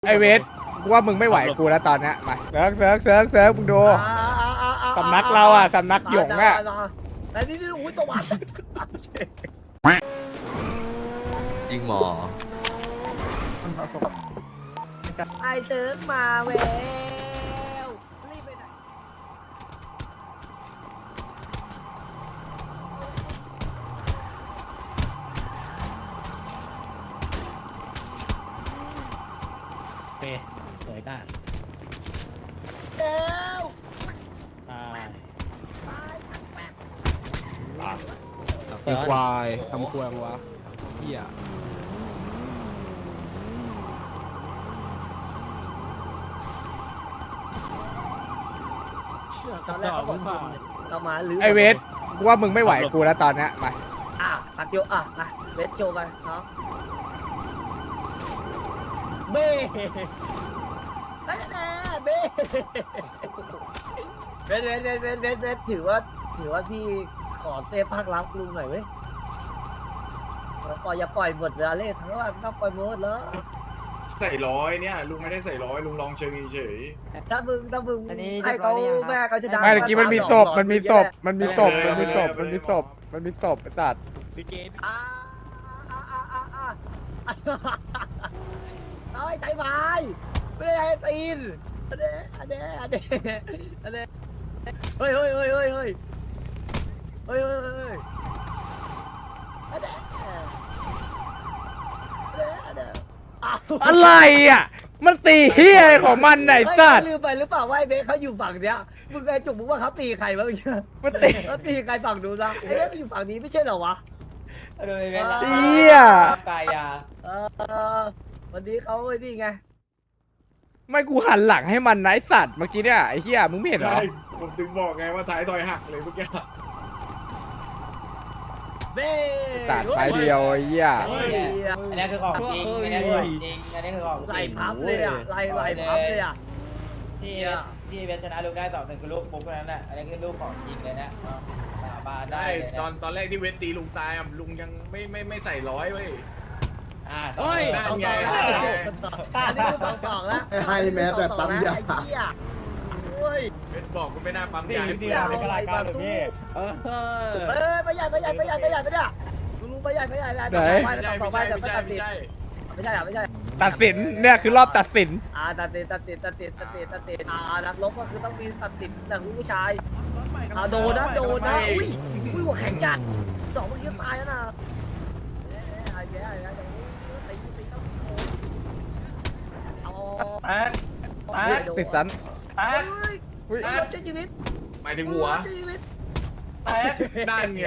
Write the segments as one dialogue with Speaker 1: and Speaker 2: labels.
Speaker 1: ไอเวทกูว่ามึงไม่ไหวกูแล้วตอนเนี้ยมาเซิร์ฟมึงดูสำนักเราอ่ะสำนักหยงอ่ะ
Speaker 2: แต่นี่อุ้ยตัววัด
Speaker 3: ยิงหมอ
Speaker 2: ไอเซิร์ฟมาเวลรีบไปไหน
Speaker 4: เปสวยก้า
Speaker 2: เร็ว
Speaker 4: ตาย
Speaker 5: ไอ้ควายทำควงวะเฮีย
Speaker 2: ตอนแรกเขาบอกเรามาหรือ
Speaker 1: ไอเวทกูว่ามึงไม่ไหวกูแล้วตอนเนี้ยมา
Speaker 2: ตัดโยมาเวทโชว์ไปเนาะเบ้แน่เบ้เวทถือว่าพี่ขอเซฟภาครักลุงหน่อยเว้ยอย่าปล่อยหมดเวลาเล่นเพราะว่าต้องปล่อยหมดแล้ว
Speaker 6: ใส่ร้อยเนี่ยลุงไม่ได้ใส่ร้อยลุงลองเชิงเฉย
Speaker 2: ถ้ามึงให้เขาแม่เขาจะดัง
Speaker 1: ไม่เมื่อกี้มันมีศพไอ้สัตว์
Speaker 4: พี่เกม
Speaker 2: เอาไอ้ใจไม้ไม่ได้ให้ตีนอันเด้เฮ้ย
Speaker 1: อะไรอ่ะมันตีเฮียอะไรของมันไหนสัตว์
Speaker 2: ลืมไปหรือเปล่าว่าไอ้เบสเขาอยู่ฝั่งเนี้ยมึงไอ้จุกมึงว่าเขาตีใครบ้างเนี่ย
Speaker 1: มันตี
Speaker 2: เขาตีใครฝั่งนู้นนะไอ้เบสอยู่ฝั่งนี้ไม่ใช่เหรอวะ
Speaker 4: โดยเวลา
Speaker 1: เฮีย
Speaker 4: กายา
Speaker 2: วันนี้เขาไอ้นี่ไง
Speaker 1: ไม่กูหันหลังให้มันนะไอสัตว์เมื่อกี้เนี่ยไอเฮียมึงไม่
Speaker 6: ๆ
Speaker 1: เห็นเหรอ
Speaker 6: ใช่ผมถึงบอกไงว่าท้ายทอยหักเลยเมื่อกี้
Speaker 2: เบ้
Speaker 1: ตัดไปเดียวไอเฮีย
Speaker 4: อันนี้คือของจริงอันนี้คือของจริงอันนี้คือของจริง
Speaker 2: ไหลพับเลยอ่ะไหลพับเลยอ่ะ
Speaker 4: ที่เวชนะลูกได้2-1คือลูกฟุกเท่านั้นแหละอันนี้คือลูกของจริงเลยนะสาบานได้
Speaker 6: ได้ตอนแรกที่เวทตีลุงตายอ่ะลุงยังไม่ใส่ร้อยเว้ย
Speaker 4: เฮ้ย
Speaker 6: นั่นไง
Speaker 2: อันนี้คือฝั่งกล่องแล้ว
Speaker 7: ให้แม้แต่ปั๊มยา
Speaker 2: ไอ้เหี้ยโอ้ย
Speaker 6: เวทบอกก็ไม่น่าปั๊มยาให้
Speaker 2: เดี๋ยวอะไรมาสู้ไปใหญ่ไปเนี่ยลุงไปใหญ่ต่อไป
Speaker 6: ไม่ใช่
Speaker 2: ไม่ใช่
Speaker 1: ตัดสินเนี่ยคือรอบตัดสิน
Speaker 2: ตัดสินนักลบก็คือต้องมีตัดสินแต่ผู้ชายโดนนะอุ้ยหัวแข็งจัดสองเมื่อกี้ตายแล้วนะ
Speaker 1: ติดสัน
Speaker 2: อุ้ยช่วยชีวิต
Speaker 6: หมายถึงหัวนั่นไง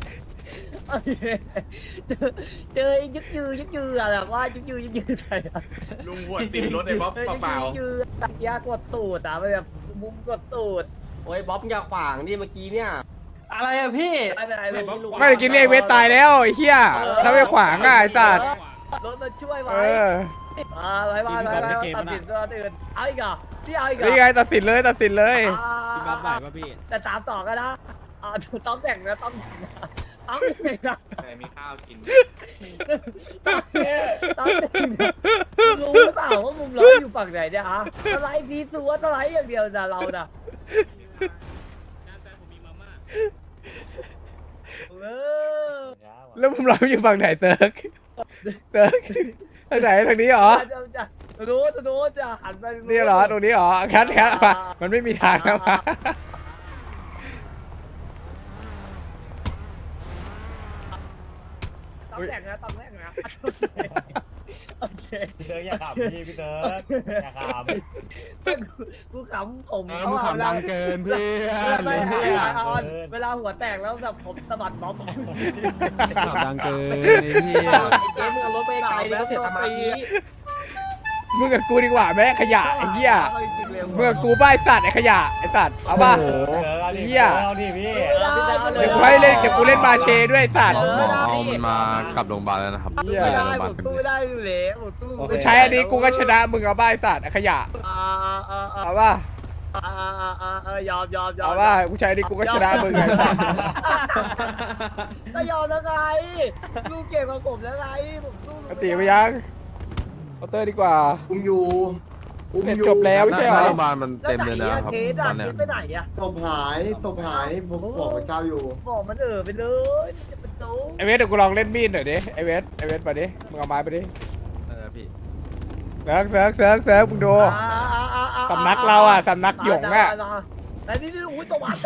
Speaker 2: เจอยึกยืออะแบบว่ายึกยือใส่
Speaker 6: ลุงหัวติดรถไอ้บ๊อบเปล่า
Speaker 2: ยือยากดตูดแบบมุมกดตูด
Speaker 7: โอ้ยบ๊อบอย่าขวางดิเมื่อกี้เนี่ย
Speaker 4: อะไรอะพี่
Speaker 2: ไม่เป็นไรไม่เป็นไร
Speaker 1: ไม่ได้กินเรียกเวทตายแล้วไอ้เฮียถ้าไม่ขวางอ่ะไอสัตว์
Speaker 2: รถมาช่วยไว้
Speaker 1: เออ
Speaker 2: ไปตัดสินตัวอื่นเอาอีกเหรอที่เอาอีกเหรอ
Speaker 1: นี่ไงตัดสินเลย
Speaker 4: พี่บ๊อบไหวป่ะพี่
Speaker 2: แต่3-2กันนะต้องแต่งนะต้องแต่งนะต้องแต่งนะ
Speaker 6: แต่มีข้าวกิน
Speaker 2: ต้องแต่งนะรู้หรือเปล่าว่ามุมเราอยู่ฝั่งไหนเนี่ยฮะสไลด์พีซัวสไลด์อย่างเดียวนะเราน่ะเออ
Speaker 1: แล้วมุมเราอยู่ฝั่งไหนเซิร์กทางไหนทางนี้เหรอ
Speaker 2: รู้จะหันไป
Speaker 1: นี่เหรอตรงนี้เหรอคัดมามันไม่มีทางนะมา
Speaker 2: ต้องแต่งนะต้องแต่งนะโอเค
Speaker 4: พี่เติร์ดอย่าขำพี่เติร์ดอย่าขำ
Speaker 2: กูขำผม
Speaker 5: มึงขำดังเกินเพื่อน
Speaker 2: ไม่
Speaker 5: เพื่อน
Speaker 2: เวลาหัวแตกแล้วแบบผมสะบัดบ๊อบ
Speaker 5: ขำดังเกินไอ้เหี้ย
Speaker 7: เจ๊มึงเอารถไปไกลดิเขาเสียสมาธิ
Speaker 1: มึงกับกูดีกว่าแม่ขยะไอ้เหี้ยมึงกับกูบ้าไอ้สัตว์ไอ้ขยะไอ้สัตว์เอาป่ะ เหี้ย
Speaker 4: เอาดิพี่
Speaker 1: เดี๋ยวกูให้เล่นเดี๋ยวกูเล่นมาเชด้วยไอ้สัตว์
Speaker 3: หมอเอามันมากลับโรงพยาบาลแล้วนะครับ
Speaker 1: เหี้ย
Speaker 2: ไม่ได้ผมสู้ไม่ได้อยู่แล้วผมสู้
Speaker 1: กูใช้อันนี้กูก็ชนะมึงเอาบ้าไอ้สัตว์ไอ้ขยะเอาป่ะ
Speaker 2: ยอม
Speaker 1: เอาป่ะกูใช้อันนี้กูก็ชนะมึงไงไอ้สัตว์
Speaker 2: ก็ยอมแล้วไงลูกเก่งกว่าผมแล้วไงผมสู้
Speaker 1: ปกติไปยังเคาน์เตอร์ดีกว่า
Speaker 7: อุ้มอยู่
Speaker 1: เสร็จจบแล้วไม่ใช่เหร
Speaker 3: หน้า
Speaker 1: อ
Speaker 3: โรงพยาบาลมัน
Speaker 2: แล้ว
Speaker 3: เต็ม
Speaker 2: ไหน
Speaker 3: เลยนะ
Speaker 2: อะ
Speaker 3: ครับ
Speaker 2: เคส
Speaker 3: ต
Speaker 2: อะ
Speaker 3: อน
Speaker 2: เค
Speaker 3: เนี้ย
Speaker 2: สไปไหนอะ
Speaker 7: ตบหายผมบอกพระเจ้าอยู่
Speaker 2: บอกมันไปเลยจะเป็นโต๊ะ
Speaker 1: ไอเวสเดี๋ยวกูลองเล่นมีดหน่อยดิไอเวสมาดิมึงเอาไม้ไปดิ
Speaker 3: พี่
Speaker 1: เซิร์ฟมึงดู สำนักเราอะสำนักหยงอะ
Speaker 2: แต่นี่อุ้ยตัววัด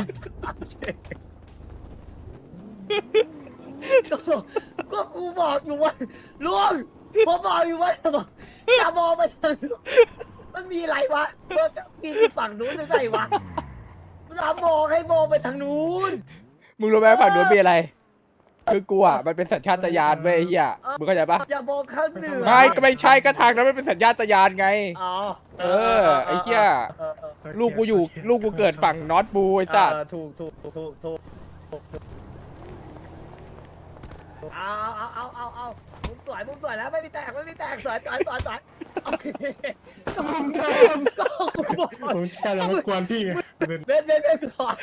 Speaker 2: ก็กูบอกอยู่ว่าลุงผมบอกอยู่ว่าอย่ามองไปทางนู้นมันมีอะไรวะมันจะมีฝั่งนู้นหรือไงวะเราบอกให้มองไปทางนู้น
Speaker 1: มึงรู้ไหมฝั่งนู้นมีอะไร คือกูอ่ะมันเป็นสัญชาตญาณเว้ยไอ้เฮียมึงเข้าใจปะ
Speaker 2: อย่ามองข้างเหนือ
Speaker 1: ไม่ก็ไม่ใช่ก็ทางนั้นมันเป็นสัญชาตญาณไง
Speaker 2: อ๋อ
Speaker 1: ไอ้เหี้ย ลูกกูเกิดฝั่งนอตบูไอ้สัตว์
Speaker 2: ถูกเอามุมสวยแล้วไม่มีแตกสวยโอเคก็บอก
Speaker 6: ผมแค่เราไม่กวนพี่ไง
Speaker 2: เบสก่อน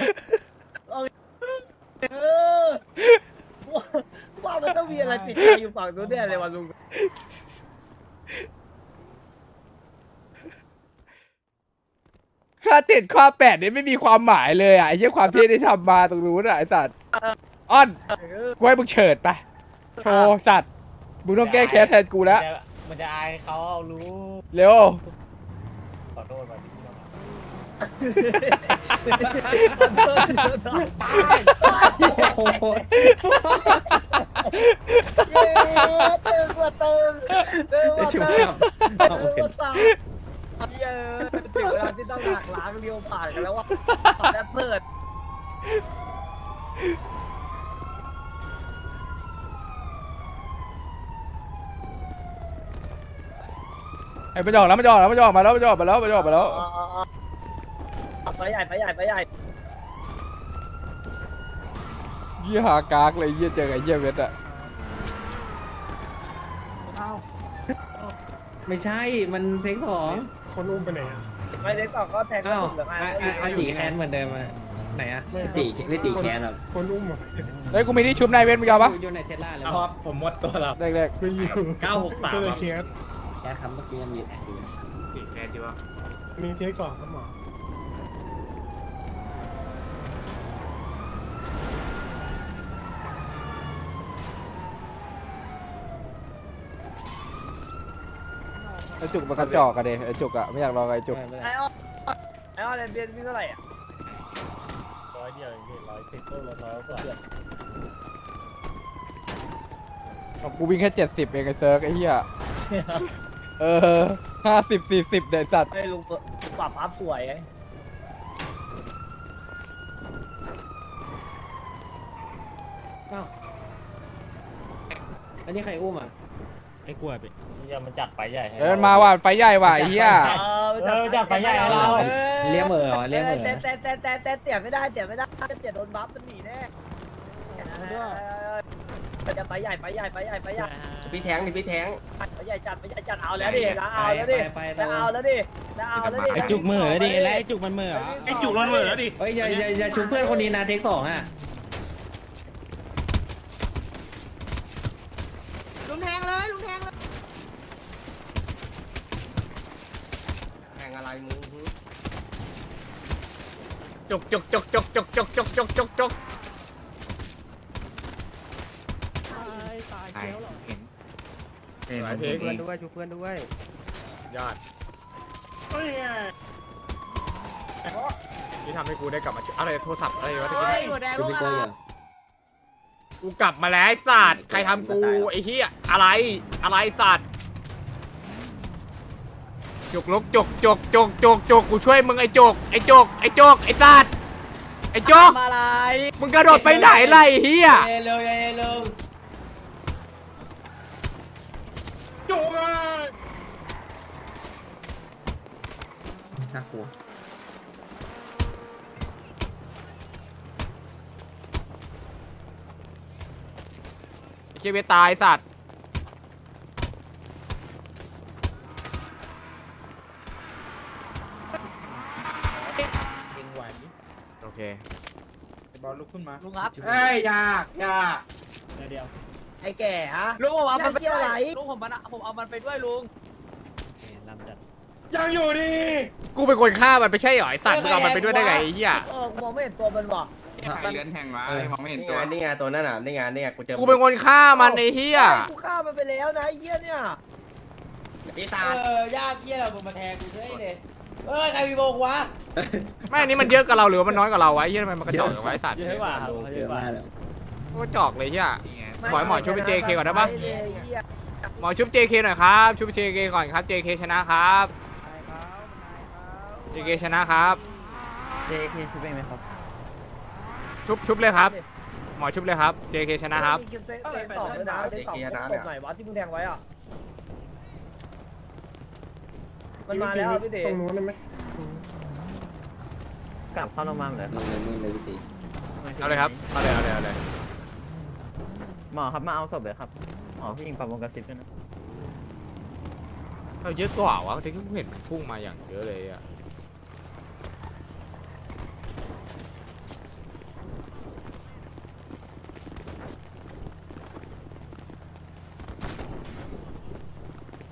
Speaker 2: ว่ามันต้องมีอะไรติดใจอยู่ฝั่งนู้นเนี่ยเลยวันลุง
Speaker 1: ค่าติดข้อ8นี่ไม่มีความหมายเลยอ่ะไอ้เหี้ยความเท่ที่ทำมาตรงนู้นอ่ะไอ้สัตว์อ้อนกูให้มึงเฉิดไปโชว์สัตว์มึงต้องแก้แค้นแทนกูแล้ว
Speaker 4: มันจะอายเขารู้
Speaker 1: เร็ว
Speaker 4: ขอโทษมาที่เรา
Speaker 2: ตึงกว่าตึงถึงเวลาที่ต้องหักล้างเลี้ยวผ่านกันแล้วว่าแล้วเปิด
Speaker 1: ไอ้มันจะออกแล้วมันจะออกมาแล้ว
Speaker 2: ไปใหญ่
Speaker 1: เหี้ยหากากเลยเหี้ยเจอไอ้เหี้ยเวทอ่ะ
Speaker 8: ไม่ใช่ มันเทคสอง
Speaker 6: คนอุ้มไปไหนอ่ะ
Speaker 2: ไม่ได้ก่อนก็แทงก็
Speaker 8: อ้าว
Speaker 2: ถูกเหลือง
Speaker 8: อาจีแคนเหมือนเดิมอะไหนอะไม่ตีแคนหรอก
Speaker 6: คนอุ้มอ่ะ
Speaker 1: เฮ้ยกูมีที่ชุบนายเวทมึงเอาปะ
Speaker 8: อยู่ในเทสลาเลย
Speaker 4: ครับผมหมดตัวแล้ว
Speaker 1: แรก
Speaker 6: ไม่อยู่
Speaker 4: 963
Speaker 6: ก็เลยเคส
Speaker 8: แคนคำเมื่อกี้ยังมีแอดอยู่
Speaker 4: แค่ดีว่า
Speaker 6: มีเคสก่อนครับหมอ
Speaker 1: ไอ้จุกมันกระจอกอะเดไอ้จุกอะไม่อยากรอไอ้จุก
Speaker 2: ไอ้อ้อเรียนวิ่งเท่าไหร่อ่ะ
Speaker 4: 100เดียวเองพี่100ติดตัว100กว่า
Speaker 1: กูวิ่งแค่70เองไอ้เซิร์กไอ้เหี้ย50-40เด็ดสัตว์
Speaker 2: ไอ้ลุงปรับอัพสวยไง
Speaker 8: อ้าวอันนี้ใครอุ้มอ่ะ
Speaker 4: ไอ้กลัวไปยังมันจัดไปใหญ่
Speaker 1: มันมาว่ะไฟใหญ่ว่ะไอ้เหี้ย
Speaker 2: จับไปใหญ่เรา
Speaker 8: เลี้ยงเหม่อเหรอเลี้ยงเหม่อ
Speaker 2: แต่เสียไม่ได้เสียโดนบัฟมันหนีแน่จะไปใหญ่
Speaker 7: พี่แทงนี่พี่แทง
Speaker 2: ไปใหญ่จัดเอาแล้วดิเอาแล้วดิ
Speaker 8: ไอ้จุกเหม่อแล้วดิไอ้จุกมันเหม่อ
Speaker 4: ไอ้จุกมันเหมือแล้วดิ
Speaker 8: เฮ้ยอย่าชุบเพื่อนคนนี้นะเทคสองอ่ะ
Speaker 7: ลุงแทงเลยแทงอะไรมึง
Speaker 1: จุกหลายเพลงเพื่อนด้วยชุบเพื่อนด้วยยอดนี่ทำให้กูได้กลับมาอะไรโทรศัพท์อะไรวะตะกี้
Speaker 8: ชุบพี่เซอร์อยู่
Speaker 1: กูกลับมาแล้วไอ้สัตว์ใครทำกูไอ้เหี้ยอะไรสัตว์จุกลุกจุกกูช่วยมึงไอ้จุกไอ้สัตว์ไอ้จุก
Speaker 2: อะไร
Speaker 1: มึงกระโดดไปไหนล่ะไอ้เหี้ย
Speaker 4: เร็ว
Speaker 6: จุกเลย
Speaker 8: น่ากลัว
Speaker 1: ไอ้เชี่ยเวตายสัตว์โอเค
Speaker 6: บอลลุกขึ้นมา
Speaker 2: ลุงครับ
Speaker 7: เอ้ยยาก
Speaker 4: เดี๋ยว
Speaker 2: ไอ้แก่ฮะ
Speaker 4: ลุงผมเอามันไป
Speaker 2: เที่ยวไหน
Speaker 4: ลุงผมเอามันไปด้วยลุง
Speaker 6: ยังอยู่ดี
Speaker 1: กูเป็นคนฆ่ามันไม่ใช่เหรอไอ้สัตว์มึงเอามันไปด้วยได้ไงไอ้เหี้ย
Speaker 2: กูมองไม่เห็นตัวมันว่ะ
Speaker 6: ใครเลื้อนแทงวะมองไม่เห็น
Speaker 7: นี่
Speaker 6: ตัว
Speaker 7: ไงนี่ไงตัวนั่นน่ะนี่ไงนี่ไงกูเจอ
Speaker 1: กูเป็นคนฆ่ามันไอ้เหี้ย
Speaker 2: กูฆ่ามันไปแล้วนะไอ้เหี้ยเนี่ย
Speaker 7: ปีศาจ
Speaker 4: ยากเกี้ยเรามาแทงกูเฉยเลยใครมีโบกวะ
Speaker 1: ไม่อันนี้มันเยอะกับเราหรือว่ามันน้อยกับเราวะไอ้เหี้ยทำไมมันกระจอกกับไว้สัตว์
Speaker 8: เยอะกว่าเยอะกว่า
Speaker 1: ก็กระจอกเลยเหี้ยหมอชุบเป็น JK ก่อนได้ปะ
Speaker 2: ไอ้เหี้ย
Speaker 1: หมอชุบ JK หน่อยครับชุบ JK ก่อนครับ JK ชนะครับ JK ชนะครับ
Speaker 8: JK ชุบเองไหมครับ
Speaker 1: ชุบเลยครับ หมอชุบเลยครับ JK ชนะครับ
Speaker 2: มีคิวเตะต่อด้วยนะเตะต่อตบไหนวะที่มึงแทงไว้อ่ะมันมาแล้วพี่เต๋
Speaker 7: ตรงนู้นได้ไหม
Speaker 8: กลับเข้าโรงพยาบาลเลย
Speaker 1: เอาเลยครับเอาเลย
Speaker 8: หมอครับมาเอาศพเลยครับหมอพี่ยิงปรับวงกระซิบด้วยนะ
Speaker 1: เราเยอะกว่าวะที่กูเห็นมันพุ่งมาอย่างเยอะเลยอ่ะ